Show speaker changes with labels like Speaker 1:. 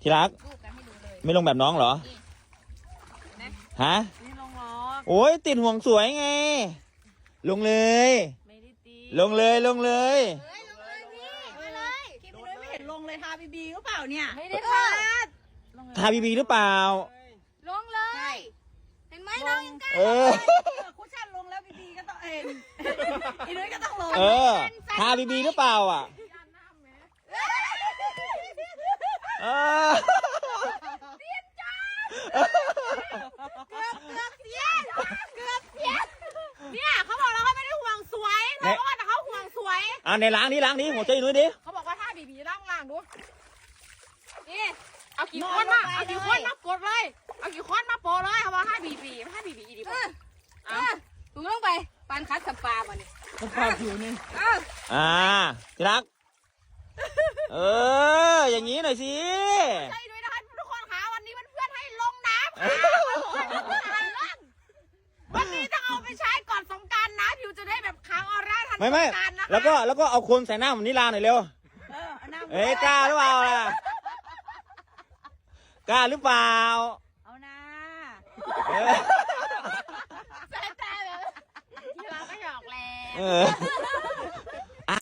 Speaker 1: ที่รัก
Speaker 2: รูปกันให้ดูเลย
Speaker 1: ไม่ลงแบบน้องเหรอ
Speaker 2: นะ
Speaker 1: ฮะ
Speaker 2: ไม่ลงหรอก
Speaker 1: โอ้ยติดห่วงสวยไง ลงเลย
Speaker 2: ไม่ได้ตี
Speaker 1: ลงเลยลงเลย
Speaker 2: เฮ้ยลงเลยพี่มาเลย
Speaker 3: คลิปนี้ไม่เห็นลงเลยทาบีบีหรือเปล่าเนี่ย
Speaker 2: ไม่ได้พลาด
Speaker 1: ทาบีบีหรือเปล่า
Speaker 2: ลงเลย เห็นไหมน้องยังกล้า
Speaker 1: เออ
Speaker 3: คุชชั่นลงแล้วบีบีก็ต้องอีนุ้ยก็ต้องลง
Speaker 1: เออ ทาบีบีหรือเปล่าอ่ะ เออ
Speaker 2: เนี่ยเขาบอกแล้วเขาไม่ได้ห่วงสวยเราก็ว่าแต่เขาห่วงสวย
Speaker 1: เอาในล้างนี้หัวใจหนุ่ยดิ
Speaker 2: เขาบอกว่าถ้าบีบีล่างดูนี่เอากี่คนมาเอากี่คนมากดเลยเอากี่คนมาโปรเลยเขาบอกให้บีบีอีดีป่ะเอาถูกต้องไปปานคัดสปามาเนี่ย
Speaker 3: มันพอผิวนี่
Speaker 1: ที่รัก เออ อย่างนี้หน่อยสิ
Speaker 2: ใช่ด้วยนะคะทุกคนคะวันนี้เพื่อนๆให้ลงน้ำค่ะวันนี้ต้องเอาไปใช้ก่อนสงกรานต์นะผิวจะได้แบบค้างออร่าทันส
Speaker 1: ไม่
Speaker 2: ง
Speaker 1: ไม่
Speaker 2: กรานต์นะคะ
Speaker 1: แล้วก็เอาคนใส่หน้าเหมือนนิลาหน่อยเร็ว
Speaker 3: เอาหน้า
Speaker 1: เอ้ยกล้าหรือเปล่าล่ะ กล้าหรือเปล่า
Speaker 3: เอาหน้า
Speaker 1: เออ
Speaker 2: แต่แบบที่เราก็หยอกแล้
Speaker 1: เอ
Speaker 2: ว
Speaker 1: อ